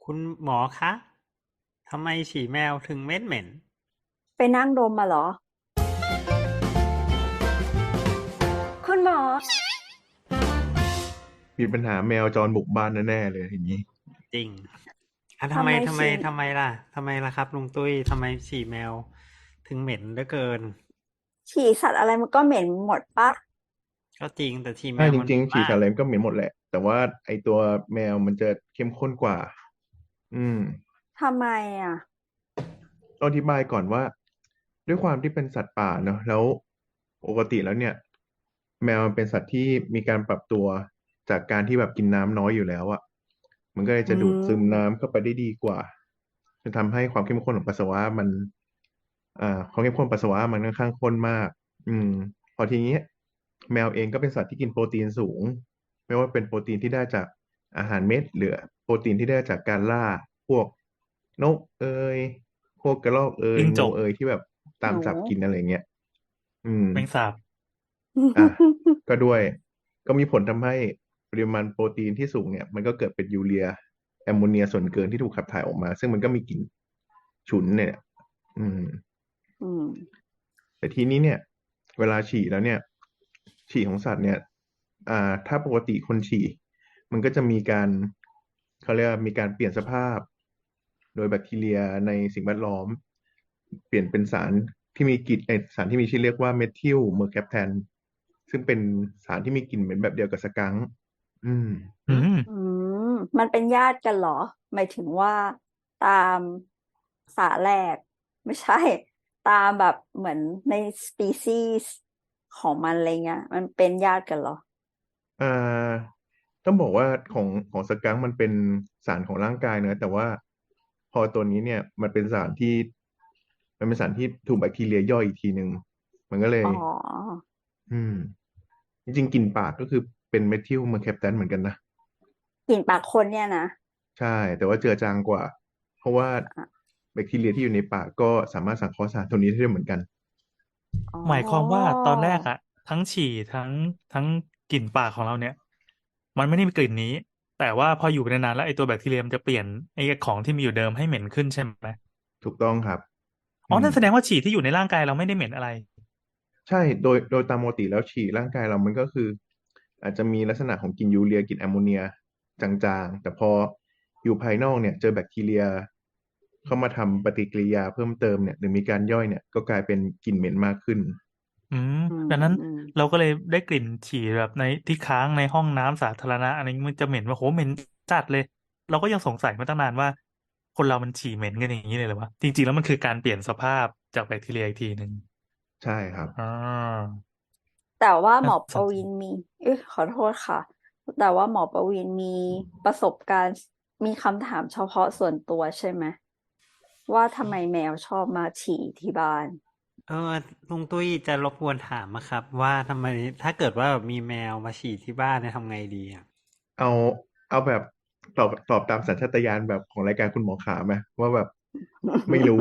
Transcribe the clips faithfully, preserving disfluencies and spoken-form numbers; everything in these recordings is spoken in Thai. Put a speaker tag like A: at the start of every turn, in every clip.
A: คุณหมอคะ ทำไมฉี่แมวถึงเหม็นเหม็น
B: ไปนั่งดมมาเหรอคุณหมอ
C: มีปัญหาแมวจรบุกบ้านแน่ๆเลยอย่างนี้
A: จริงอ่ะทำไม
B: ทำไม
A: ทำไม
B: ฉี่
A: ทำไมล่ะทำไมล่ะครับลุงตุ้ยทำไมฉี่แมวถึงเหม็นเหลือเกิน
B: ฉี่สัตว์อะไรมันก็เหม็นหมดปะ
A: ก็จริงแต่ฉี่แม
C: ถ้า
A: วมันเหม็น
C: จริงๆฉี่
A: มาก
C: สาเล็มก็เหม็นหมดแหละแต่ว่าไอตัวแมวมันจะเข้มข้นกว่าอืม
B: ทำไมอ่ะ
C: ต้องอธิบายก่อนว่าด้วยความที่เป็นสัตว์ป่าเนอะแล้วปกติแล้วเนี่ยแมวมันเป็นสัตว์ที่มีการปรับตัวจากการที่แบบกินน้ำน้อยอยู่แล้วอ่ะมันก็เลย
B: อื
C: จะดูดซึมน้ำ
B: ม
C: เข้าไปได้ดีกว่าจะทำให้ความเข้มข้นของปัสสาวะมันอ่าความเข้มข้นปัสสาวะมันค่อนข้างข้นมากอืมพอทีนี้แมวเองก็เป็นสัตว์ที่กินโปรตีนสูงไม่ว่าเป็นโปรตีนที่ได้จากอาหารเม็ดหรือโปรตีนที่ได้จากการล่าพวกนกเอยพวกกระรอกเอยงู
D: จิ้งจก
C: เอยที่แบบตาม
B: หนู
C: จับกินอะไรเงี้ยอืม
D: แมงสาบ
C: อ่ะก็ด้วยก็มีผลทำให้ปริมาณโปรตีนที่สูงเนี่ยมันก็เกิดเป็นยูเรียแอมโมเนียส่วนเกินที่ถูกขับถ่ายออกมาซึ่งมันก็มีกลิ่นฉุนเนี่ยอืม
B: อืม
C: แต่ทีนี้เนี่ยเวลาฉี่แล้วเนี่ยฉี่ของสัตว์เนี่ยอ่าถ้าปกติคนฉี่มันก็จะมีการเขาเรียกว่ามีการเปลี่ยนสภาพโดยแบคทีเรียในสิ่งแวดล้อมเปลี่ยนเป็นสารที่มีกลิ่นไอสารที่มีชื่อเรียกว่าเมทิลเมอร์แคปแทนซึ่งเป็นสารที่มีกลิ่นเหม็นแบบเดียวกับสกังค์อืม
D: อื
A: หืม
D: ม
B: อืมมันเป็นญาติกันเหรอหมายถึงว่าตามสาแหลกไม่ใช่ตามแบบเหมือนในสปีซีส์ของมันอะไรเงี้ยมันเป็นญาติกันเหรอ
C: อ่าต้องบอกว่าของของสกังค์มันเป็นสารของร่างกายเนอะแต่ว่าพอตัวนี้เนี่ยมันเป็นสารที่มันเป็นสารที่ถูกแบคทีเรียย่อยอีกทีหนึ่งมันก็เลย
B: อ๋อ
C: อืมจริงๆกลิ่นปากก็คือเป็นเมทิลเมอร์แคปแทนเหมือนกันนะ
B: กลิ่นปากคนเนี่ยนะ
C: ใช่แต่ว่าเจือจางกว่าเพราะว่าแบคทีเรียที่อยู่ในปากก็สามารถสังเคราะห์สารตัวนี้ได้เหมือนกัน
B: อ๋
D: หมายความว่า
B: อ
D: ตอนแรกอะทั้งฉี่ทั้งทั้งกลิ่นปากของเราเนี่ยมันไม่ได้มีกลิ่นนี้แต่ว่าพออยู่ไปนานๆแล้วไอ้ตัวแบคทีเรียมันจะเปลี่ยนไอ้ของที่มีอยู่เดิมให้เหม็นขึ้นใช่ไหม
C: ถูกต้องครับ
D: อ๋อ
C: อืม
D: นั่นแสดงว่าฉี่ที่อยู่ในร่างกายเราไม่ได้เหม็นอะไร
C: ใช่โดยโดยตามปกติแล้วฉี่ร่างกายเรามันก็คืออาจจะมีลักษณะของกลิ่นยูเรียกลิ่นแอมโมเนียจางๆแต่พออยู่ภายนอกเนี่ยเจอแบคทีเรียเข้ามาทำปฏิกิริยาเพิ่มเติมเนี่ยหรือมีการย่อยเนี่ยก็กลายเป็นกลิ่นเหม็นมากขึ้น
D: อืม
B: อืม
D: ดังนั้น
B: อืม
D: เราก็เลยได้กลิ่นฉี่แบบในที่ค้างในห้องน้ำสาธารณะอะไรเงี้ยมันจะเหม็นว่าโหเหม็นจัดเลยเราก็ยังสงสัยมาตั้งนานว่าคนเรามันฉี่เหม็นกันอย่างนี้เลยเหรอวะจริงๆแล้วมันคือการเปลี่ยนสภาพจากแบคทีเรียอีกทีหนึ่ง
C: ใช่ครับ
D: อ่า
B: แต่ว่าหม
D: น่า
B: อประ
D: สนใจ
B: วินมีเอ้ยขอโทษค่ะแต่ว่าหมอประวินมีประสบการณ์มีคำถามเฉพาะส่วนตัวใช่ไหมว่าทำไมแมวชอบมาฉี่ที่บ้าน
A: เออลุงตุ้ยจะรบกวนถามนะครับว่าทำไมถ้าเกิดว่าแบบมีแมวมาฉี่ที่บ้านเนี่ยทำไงดีอ่ะ
C: เอาเอาแบบตอบตอบตามสัญชาตญาณแบบของรายการคุณหมอขาไหมว่าแบบไม่รู้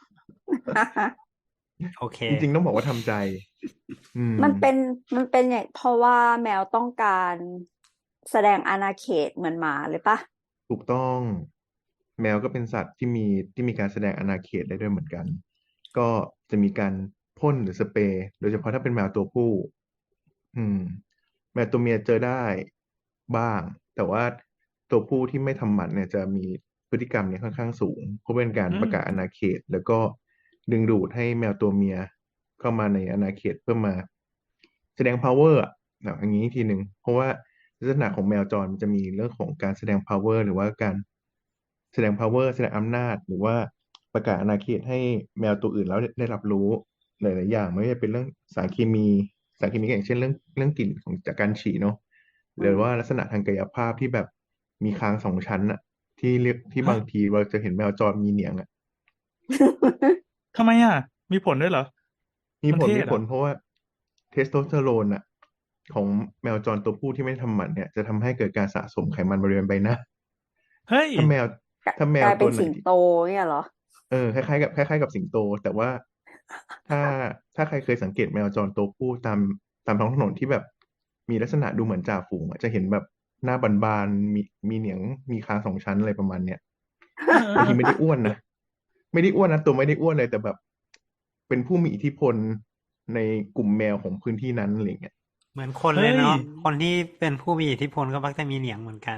A: โอเค
C: จริงๆต้องบอกว่าทำใจอืม
B: มันเป็นมันเป็นอย่างเพราะว่าแมวต้องการแสดงอาณาเขตเหมือนหมาเลยปะ
C: ถูกต้องแมวก็เป็นสัตว์ที่มีที่มีการแสดงอาณาเขตได้ด้วยเหมือนกันก็จะมีการพ่นหรือสเปรย์โดยเฉพาะถ้าเป็นแมวตัวผู้อืมแมวตัวเมียเจอได้บ้างแต่ว่าตัวผู้ที่ไม่ทำหมันเนี่ยจะมีพฤติกรรมเนี่ยค่อนข้างสูงเพราะเป็นการ
D: อืม
C: ประกาศอาณาเขตแล้วก็ดึงดูดให้แมวตัวเมียเข้ามาในอาณาเขตเพื่อมาแสดง power อ่ะอย่างนี้ทีหนึ่งเพราะว่า ลักษณะของแมวจรมันจะมีเรื่องของการแสดง power หรือว่าการแสดง power แสดงอำนาจหรือว่าประกาศอาณาเขตให้แมวตัวอื่นแล้วได้รับรู้หลายๆอย่างไม่ว่าจะเป็นเรื่องสารเคมีสารเคมีก็อย่างเช่นเรื่องเรื่องกลิ่นของจากการฉี่เนาะหรือ
B: อืม
C: ว่าลักษณะทางกายภาพที่แบบมีคางสองชั้นอะที่เรียกที่
D: ฮะ
C: บางทีเราจะเห็นแมวจรมีเหนียงอะ
D: ทำไมอ่ะมีผลด้วยเหรอ
C: มีผลมี
D: มันเท่เหรอ
C: ผลเพราะว่าเทสโทสเตอโรนอะของแมวจรตัวผู้ที่ไม่ทำหมันเนี่ยจะทำให้เกิดการสะสมไขมันบริเวณใบหน้า
D: เฮ้ย
C: ถ้าแมว
B: กลา
C: ถ้าแม
B: กลายเป็
C: วตัวไหนที่
B: นสิงโตเนี่ยเหรอ
C: เออคล้ายๆกับคล้ายๆกับสิงโตแต่ว่าถ้าถ้าใครเคยสังเกตแมวจรตัวผู้ตามตามท้องถนนที่แบบมีลักษณะดูเหมือนจ่าฝูงอะจะเห็นแบบหน้าบานๆมีมีเหนียงมีคางสองชั้นอะไรประมาณเนี้ยบางทีไม่ได้อ้วนนะไม่ได้อ้วนนะตัวไม่ได้อ้วนเลยแต่แบบเป็นผู้มีอิทธิพลในกลุ่มแมวของพื้นที่นั้นอะไรเงี้ย
A: เหมือนคนเล
D: เฮ้
A: ย
D: ย
A: เนาะคนที่เป็นผู้มีอิทธิพลก็มักจะมีเหนียงเหมือนกัน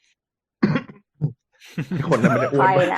C: ไอ้คนนั้นมันจะ
B: ใค
C: อ้ว
B: ร
C: นปะ
B: น่ะ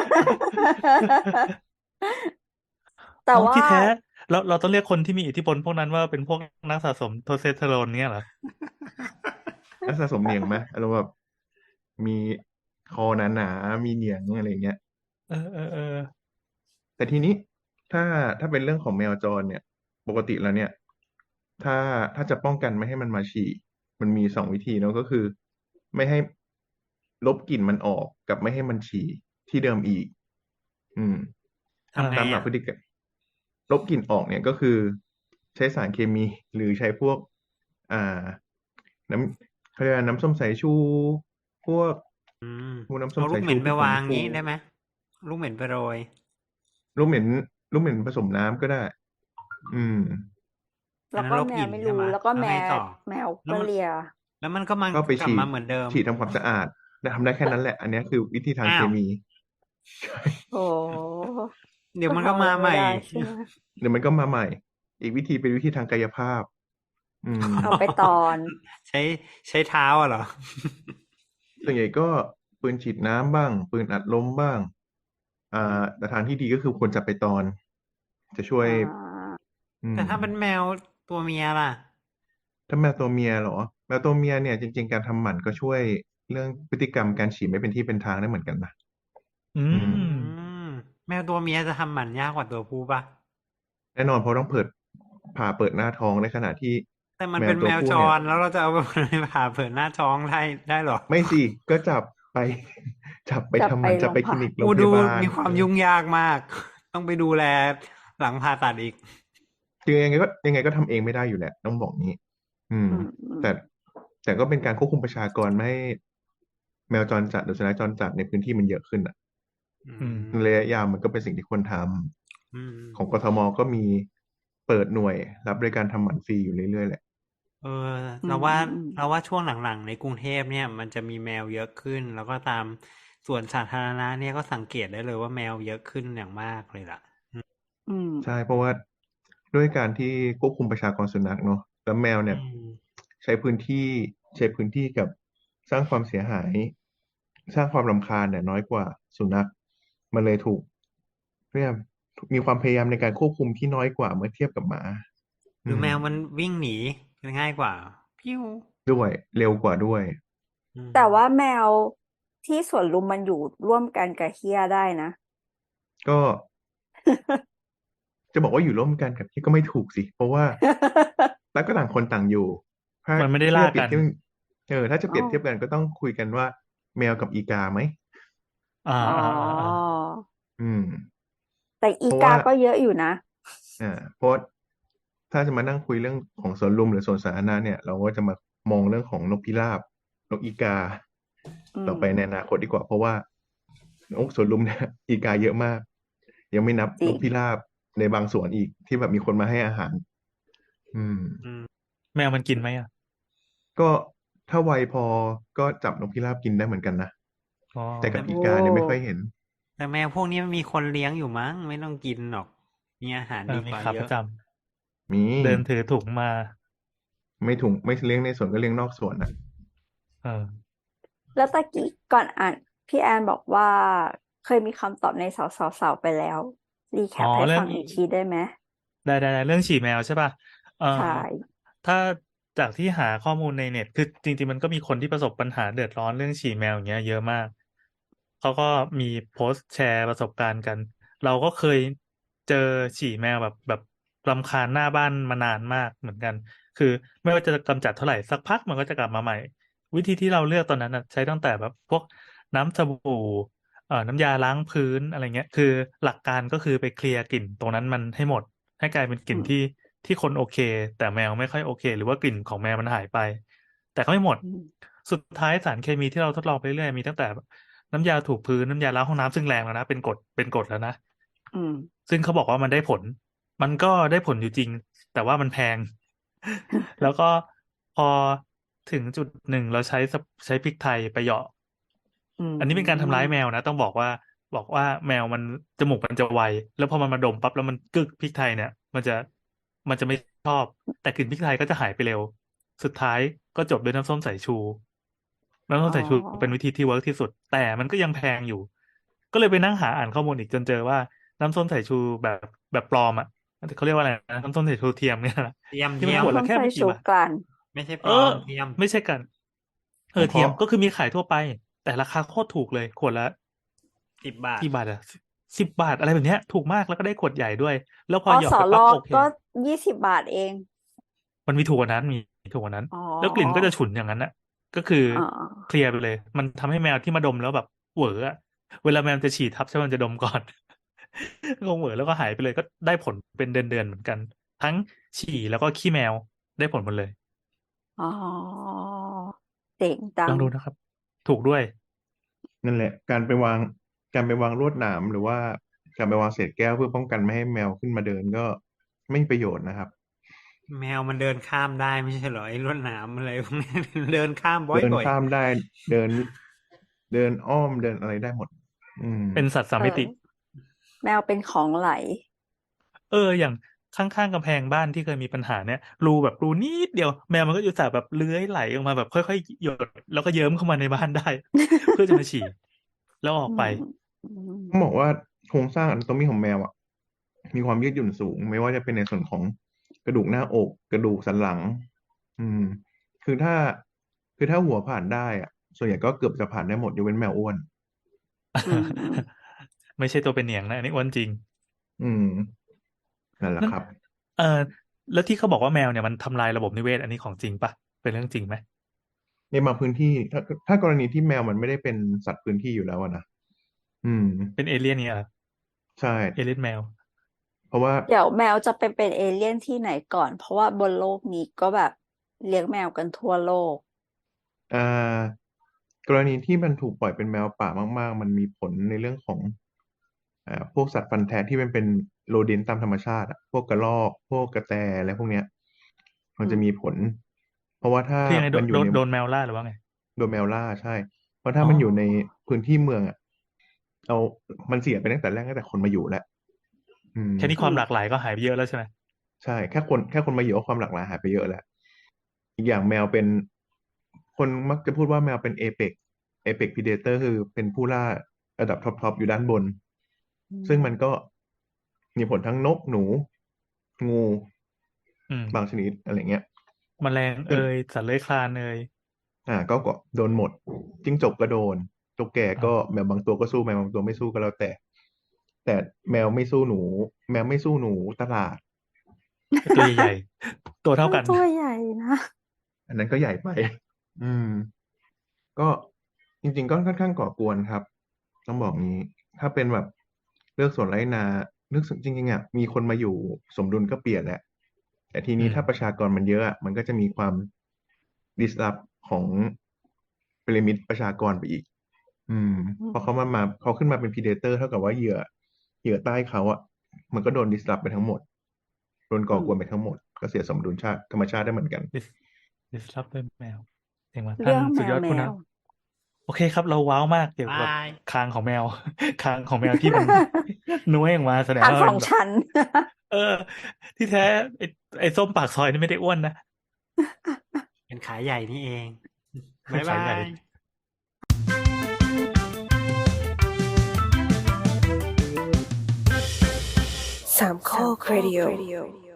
B: แต่
D: อ๋อ
B: ว่า
D: ที่แท้เราเราต้องเรียกคนที่มีอิทธิพลพวกนั้นว่าเป็นพวกนักสะสมโทสเตสเตอโรนเนี่ยเหรอ
C: นักสะสมเหนียงไหมอารมณ์แบบมีคอหนาๆมีเหนียงอะไรเงี้ย
D: เออเออเออ
C: แต่ทีนี้ถ้าถ้าเป็นเรื่องของแมวจรเนี่ย ปกติแล้วเนี่ย ถ้าถ้าจะป้องกันไม่ให้มันมาฉี่มันมีสองวิธีเนอะก็คือ ไม่ให้ลบกลิ่นมันออกกับไม่ให้มันฉี่ที่เดิมอีก อืม
A: ทำไง
C: ตามหลัก
A: อ่ะ
C: พฤติกรรมลบกลิ่นออกเนี่ยก็คือ ใช้สารเคมีหรือใช้พวก อ่า น้ำเขาเรียกว่าน้ำส้มสายชู พวก
A: อืม
C: พวกน้ำส้
A: เอา
C: ม
A: ลู
C: สาก ย
A: เห
C: ชู
A: ม็นไป
C: พวกผ
A: วาง
C: งฟู
A: งี้ได้ไหมลูกเหม็นไปโรย
C: ลูกเหม็นลูกเหม็นผสมน้ำก็ได้ อืม
A: อั
B: แล้
A: น
B: ว
A: นั้น
B: ก็
A: ลบ
B: แม
A: กลิ่
B: วน ไม่
A: ใช่
B: รู้
A: ไหม
B: แล้วก็
A: แล้ว
B: แม
A: ไง
B: ว
A: ต่อ
B: แมว
A: แล้ว
B: ก็
A: มัน
B: เลีย
A: แล้วมันก็มัน
C: ก็ไป
A: กลับ
C: ฉี
A: มา
C: ด
A: เหมือนเดิม
C: ฉีดทำความสะอาดแต่ทำได้แค่นั้นแหละ อันเนี้ยคือวิธีทาง
A: อ้า
C: เคว มี
B: โอ้โฮ
A: เดี๋ยว
B: ก็
A: มัน
B: ทำ
A: ก็
B: อะ
A: มา
B: ไร
A: ให
B: ไม่
A: ม่
B: ได้ใช่ไหม?
C: เดี๋ยวมันก็มาใหม่ อีกวิธีเป็นวิธีทางกายภาพ อืม
B: เอาไปตอน
A: ใช้ ใช้เท้าอะเหรอ?
C: ส่วนใหญ่ก็ปืนฉีดน้ำบ้าง ปืนอัดลมบ้าง อ่า แต่ทางที่ดีก็คือควรจับไปตอน จะช่ว
B: อ
C: ย
B: า
C: อื
A: แต่
C: ม
A: ถ้าเป็นแมวตัวเมียล่ะ?
C: ถ้าแมวตัวเมียเหรอ แมวตัวเมียเนี่ยจริง ๆ การทำหมันก็ช่วยเรื่องพฤติกรรมการฉี่ไม่เป็นที่เป็นทางได้เหมือนกันนะ
D: อื
C: อืม
A: อื
D: ม
A: ม แมวตัวเมียจะทำหมันยากกว่าตัวผู้เปล่า?
C: แน่นอน เพราะต้องเปิด ผ่าเปิดหน้าท้อง ในขณะที่
A: แต่มัน
C: แม
A: เป
C: ว็
A: น
C: ตั
A: แม
C: ว
A: ว
C: ผู้
A: จ
C: เนี่ย
A: ร แล้วเราจะเอา มัน ไปผ่าเปิดหน้าท้องได้ ได้เหรอ?
C: ไม่สิ ก็จับไป จับไป
B: จับ
C: ทำห
B: ไป
C: มัน จั
B: โร
C: บ
B: ง
C: ไป
B: ผ
C: คลินิก โร
A: โอ้
C: งพ
A: ดู
C: ยาบาล
A: มีความ
C: เออ
A: ยุ่งยากมาก ต้องไปดูแลหลังผ่าตัดอีก
C: คือยังไงก็ ยังไงก็ทำเองไม่ได้อยู่แหละ ต้องบอกงี้ อืม
B: อืม
C: แต่
B: ๆ
C: แต่ก็เป็นการควบคุมประชากรไม่ให้ แมวจรจัดหรือสุนัขจรจัดในพื้นที่มันเยอะขึ้นอะ
A: อื
D: อืม
C: ในระยะยาวมันก็เป็นสิ่งที่ควรท
A: อืม
C: ำ ของกทม. ก็มีเปิดหน่วยรับบริการทำหมันฟรีอยู่เรื่อย ๆ แหละ
A: เออ
B: อื
A: เราว่า
B: ม ๆ ๆ
A: เราว่าช่วงหลัง ๆ ในกรุงเทพเนี่ย มันจะมีแมวเยอะขึ้น แล้วก็ตามสวนสาธารณะเนี่ยก็สังเกตได้เลยว่าแมวเยอะขึ้นอย่างมากเลยล่ะ อืม
B: อืม
C: ใช่ เพราะว่าด้วยการที่ควบคุมประชากรสุนัขเนาะ แล้วแมว
A: อ
C: เ
A: ื
C: นี่ย
A: ม
C: ใช้พื้นที่ ใช้พื้นที่กับสร้างความเสียหาย สร้างความรำคาญเนี่ยน้อยกว่าสุนัข มันเลยถูก เรียก มีความพยายามในการควบคุมที่น้อยกว่าเมื่อเทียบกับหมา
A: หร
C: อื
A: ือแมว
C: ม
A: มันวิ่งหนีง่ายกว่า
C: ด้วย เร็วกว่าด้วย
A: อืม
B: แต่ว่าแมวที่สวนลุมมันอยู่ร่วมกันกับเหี้ยได้นะ
C: ก็ จะบอกว่าอยู่ร่วมกันกับเหี้ยก็ไม่ถูกสิ เพราะว่า แล้วก็ต่างคนต่างอยู่ ถ้า
D: มันไม่ได้
C: ถ้า
D: ล่า
C: จะเปรี
D: ก
C: ยั
D: น
C: บเทียบ เออ ถ้าจะเปรียบเทียบ
B: อ้อ
C: กันก็ต้องคุยกันว่า แมวกับอีกาไหม?
D: อา
B: อ๋อ
D: ๆ ๆ ๆ
C: อืม
B: แต่อีก
C: เพราะว่
B: า
C: า
B: ก็เยอะอยู่นะ
C: อา เพราะว่า ถ้าจะมานั่งคุยเรื่องของสวนลุมหรือสวนสาธารณะเนี่ย เราก็จะมามองเรื่องของนกพิราบ นกอีกา
B: อื
C: ต่อไปใน
B: ม
C: อนาคตดีกว่า เพราะว่า นกสวนลุม เนี่ย อีกาเยอะมาก ยังไม่นับ
B: จร
C: นิ
B: ง
C: กพิราบในบางสวนอีกที่แบบมีคนมาให้อาหาร อืม
A: อืม
D: แมวมันกินไหมอะ?
C: ก็ถ้าไวพอก็จับนกพิราบกินได้เหมือนกันนะ
D: อ๋อ
C: แต่กั
A: แต่
C: บ
B: โอ
C: อีกาเนี่ยไม่ค่อย้เห็น
A: แต่แมวพวกนี้มันมีคนเลี้ยงอยู่มั้ง ไม่ต้องกินหรอก มีอาหาร
D: เออ
A: ดี
D: มี
A: กว่า เยอ
D: ขาประ
A: ะ
D: จ
C: มี
D: ำ เดินถือถุงมา
C: ไม่ถุง ไม่เลี้ยงในสวนก็เลี้ยงนอกสวนน่ะ
D: เออ
B: แล้วตะกี้ก่อนอ่าน พี่แอนบอกว่า เคยมีคำตอบในสาว ๆ ๆ ไปแล้ว รีแค
D: อ๋อ
B: ปให้
D: เรื่
B: ฟ
D: อัง
B: งอีกทีได้ไหม?
D: ได้ ๆ ๆ เรื่องฉี่แมวใช่เปล่า? เอ่
B: ใช
D: อ
B: ่
D: ถ้าจากที่หาข้อมูลในเน็ต คือจริง ๆ มันก็มีคนที่ประสบปัญหาเดือดร้อนเรื่องฉี่แมว อย่างเงี้ย เยอะมาก เขาก็มีโพสต์แชร์ประสบการณ์กัน เราก็เคยเจอฉี่แมวแบบ แบบรำคาญหน้าบ้านมานานมากเหมือนกัน คือไม่ว่าจะกำจัดเท่าไร สักพักมันก็จะกลับมาใหม่ วิธีที่เราเลือกตอนนั้นน่ะ ใช้ตั้งแต่แบบพวกน้ำสบู่ เอ่อ น้ำยาล้างพื้น อะไรเงี้ย คือหลักการก็คือไปเคลียร์กลิ่นตรงนั้นมันให้หมด ให้กลายเป็นก
B: อื
D: ลิ่น
B: ม
D: ที่ ที่คนโอเค แต่แมวไม่ค่อยโอเค หรือว่ากลิ่นของแมวมันหายไป แต่ก็ไม่หมด
B: อืม
D: สุดท้ายสารเคมีที่เราทดลองไปเรื่อย ๆ มีตั้งแต่แบบน้ำยาถูพื้น น้ำยาล้างห้องน้ำ ซึ่งแรงแล้วนะ เป็นกรด เป็นกรดแล้วนะ
B: อืม
D: ซึ่งเขาบอกว่ามันได้ผล มันก็ได้ผลอยู่จริง แต่ว่ามันแพง แล้วก็พอถึงจุดหนึ่งเราใช้ ส ใช้พริกไทยไปเหยาะ
B: อื
D: อันนี้เป็นการทำร้ายแม
B: ม
D: วนะ ต้องบอกว่าบอกว่าแมวมันจมูกมันจะไวแล้วพอมันมาดมปั๊บแล้วมันกึกพริกไทยเนี่ย มันจะมันจะไม่ชอบ แต่กลิ่นพริกไทยก็จะหายไปเร็ว สุดท้ายก็จบด้วยน้ำส้มสายชู น้ำส้
B: อ๋
D: ม
B: อ
D: สายชูเป็นวิธีที่เวิร์กที่สุด แต่มันก็ยังแพงอยู่ ก็เลยไปนั่งหาอ่านข้อมูลอีกจนเจอว่าน้ำส้มสายชูแบบแบบปลอมอ่ะเขาเรียกว่าอะไรนะน้ำส้มสายชูเทียมเนี่ยนะ
A: เทียม
D: ที่
A: เที
D: มัน
A: ยม
D: ขวดละ
B: น้ำ
D: แค่
B: ใส่
D: ไม่กี่
B: ชู
D: บาท
B: กลั่น
A: ไม่ใช่ป
D: เอ
A: ลอ
D: อ
A: มเทียม
D: ไม่ใช่กัน เอ
C: ข
D: อ
C: อง
D: เทียม
C: เขา
D: ก็คือมีขายทั่วไป แต่ราคาโคตรถูกเลย ขวดละ
A: สิบบาท
D: กี่บาทอะสิบบาทอะไรแบบเนี้ย ถูกมากแล้วก็ได้ขวดใหญ่ด้วย แล้วพอ
B: อ
D: หยอด
B: ส
D: ไป
B: ล
D: ปั๊บโอเค
B: ก็ยี่สิบบาทเอง
D: มันมีถูกกว่านั้นมีถูกกว่านั้น
B: อ๋อ
D: แล้วกลิ่นก็จะฉุนอย่างนั้นน่ะ ก็คือ
B: อ๋อ
D: เคลียร์ไปเลย มันทำให้แมวที่มาดมแล้วแบบเหวออะเวลาแมวจะฉี่ทับใช่ไหมมันจะดมก่อน คงเหวอแล้วก็หายไปเลยก็ได้ผลเป็นเดือนๆเหมือนกัน ทั้งฉี่แล้วก็ขี้แมวได้ผลหมดเลย
B: อ๋อเจ๋งจั
D: ลอง งดูนะครับ ถูกด้วย
C: นั่นแหละ การไปวางการไปวางลวดหนามหรือว่าการไปวางเศษแก้วเพื่อป้องกันไม่ให้แมวขึ้นมาเดินก็ไม่มีประโยชน์นะครับ
A: แมวมันเดินข้ามได้ไม่ใช่เหรอไอ้ลวดหนามอะไรพวกนี้ เดินข้ามบ่
C: เดิน
A: อย
C: ข้ามได้เดิน เดินอ้อมเดินอะไรได้หมด อืม
D: เป็นสัตว์สาม
B: เอ
D: มิ
B: อ
D: ติ
B: แมวเป็นของไหล
D: เออ อย่างข้างๆกำแพงบ้านที่เคยมีปัญหาเนี่ย รูแบบรูนิดเดียว แมวมันก็อยู่แต่แบบเลื้อยไหลออกมาแบบค่อยๆหยด แล้วก็เยิ้มเข้ามาในบ้านได้ เพื่อจะมาฉี่ แล้วออ
B: อื
D: กไป
B: ม อืม
C: ต้องบอกว่าโครงสร้างอนาโตมีของแมวอ่ะ มีความยืดหยุ่นสูง ไม่ว่าจะเป็นในส่วนของกระดูกหน้าอก กระดูกสันหลัง อืม คือถ้า คือถ้าหัวผ่านได้อ่ะ ส่วนใหญ่ก็เกือบจะผ่านได้หมดยกเว้นแมวอ้วน
B: อืม
D: ไม่ใช่ตัวเป็นเหนียงนะอันนี้อ้วนจริง
C: อืม นั่นแหละ
D: นั่น
C: ครับ
D: เออแล้วที่เขาบอกว่าแมวเนี่ยมันทำลายระบบนิเวศอันนี้ของจริงปะเป็นเรื่องจริงไหม
C: ในบางพื้นที่ ถ้าถ้ากรณีที่แมวมันไม่ได้เป็นสัตว์พื้นที่อยู่แล้วอะนะ อืม
D: เป็นเอเลี่ยนเนี่ยเหรอ
C: ใช่
D: เอเลี่ยนแมว
C: เพราะว่า
B: เดี๋ยวแมวจะไปเป็นเอเลี่ยนที่ไหนก่อน เพราะว่าบนโลกนี้ก็แบบเลี้ยงแมวกันทั่วโลก
C: อ่ากรณีที่มันถูกปล่อยเป็นแมวป่ามาก ๆ มันมีผลในเรื่องของอ่าพวกสัตว์ฟันแทะที่มันเป็นโรเดนต์ตามธรรมชาติอะพวกกระรอก พวกกระแตอะไรพวกเนี้ย มัน
B: อื
C: จะ
B: ม
C: มีผล เพราะว่าถ้า
D: คือยังไงโด
C: มัน นอยู่
D: โดน
C: ใน
D: โดนแมวล่าหรือว่าไง
C: โดนแมวล่า ใช่ เพราะถ้า
D: อ๋อ
C: มันอยู่ในพื้นที่เมืองอะเอามันเสียไปตั้งแต่แรกตั้งแต่คนมาอยู่แล้ว อืม
D: แค่นี้
B: อื
D: ความ
B: ม
D: หลากหลายก็หายไปเยอะแล้วใช่ไหม
C: ใช่ แค่คนแค่คนมาอยู่ก็ความหลากหลายหายไปเยอะแล้ว อีกอย่างแมวเป็น คนมักจะพูดว่าแมวเป็น Apex Apex Predator คือเป็นผู้ล่าระดับท็อป ๆ อยู่ด้านบน
B: อื
C: ซึ่ง
B: ม
C: มันก็มีผลทั้งนก หนู งู
D: อืม
C: บางชนิด อะไรเงี้ย
D: แมลง
C: ซึ่
D: เอง ย
C: ย
D: สัตว์เลื้อยคลานเอย
C: อ่า ก็ ก็โดนหมด จิ้งจกก็โดน ตุ๊กแก
D: อ๋อ
C: ก็แมวบางตัวก็สู้ แมวบางตัวไม่สู้ก็แล้วแต่ แต่แมวไม่สู้หนู แมวไม่สู้หนูตลาด
D: ตัวใหญ่ ๆ ตัวเท่า
B: มั
D: กัน น
B: ตัวใหญ่นะ
C: อันนั้นก็ใหญ่ไป อืม ก็จริง ๆ ก็ค่อนข้างก่อกวนครับ ต้องบอกงี้ ถ้าเป็นแบบเลือกสวนไร่นา นึก ส จริง ๆ อะ มีคนมาอยู่สมดุลก็เปลี่ยนแหละ แต่ที
D: อื
C: นี้
D: ม
C: ถ้าประชากรมันเยอะอะ มันก็จะมีความ disrupt ของพีระมิดประชากรไปอีก อืม
B: อื
C: พอ
B: ม
C: เขามา มา เขาขึ้นมาเป็น predator เท่ากับว่าเหยื่อ เหยื่อใต้เขาอะ มันก็โดน disrupt ไปทั้งหมด โดน
B: อื
C: ก่อกวน
B: ม
C: ไปทั้งหมด ก็เสียสมดุลชาติ ธรรมชาติได้เหมือนกัน
D: dis disrupt ด้วยแมว เจ๋งว่ะ ท่า
B: เรื่
D: น
B: อง
D: สุ
B: แม
D: ดยว อด
B: แม
D: ผู้น
B: ว
D: ำ โอเคครับ เราว้าวมากเกี่ยว
A: บา
D: กับ
A: ย
D: คางของแมว คางของแมวที่มัน น้วยออกมาแสดง
B: ทาง
D: ว่า
B: ส
D: มั
B: อน ง
D: แบบ
B: ชั้น
D: เออ ที่แท้ไอ้ ไอ้ส้มปากซอยนี่ไม่ได้อ้วนนะ
A: เป็นขาใหญ่นี่เอง บ๊าย
D: ขา
A: บา
D: ใหญ่
A: ย
E: สามข้อครดิโอ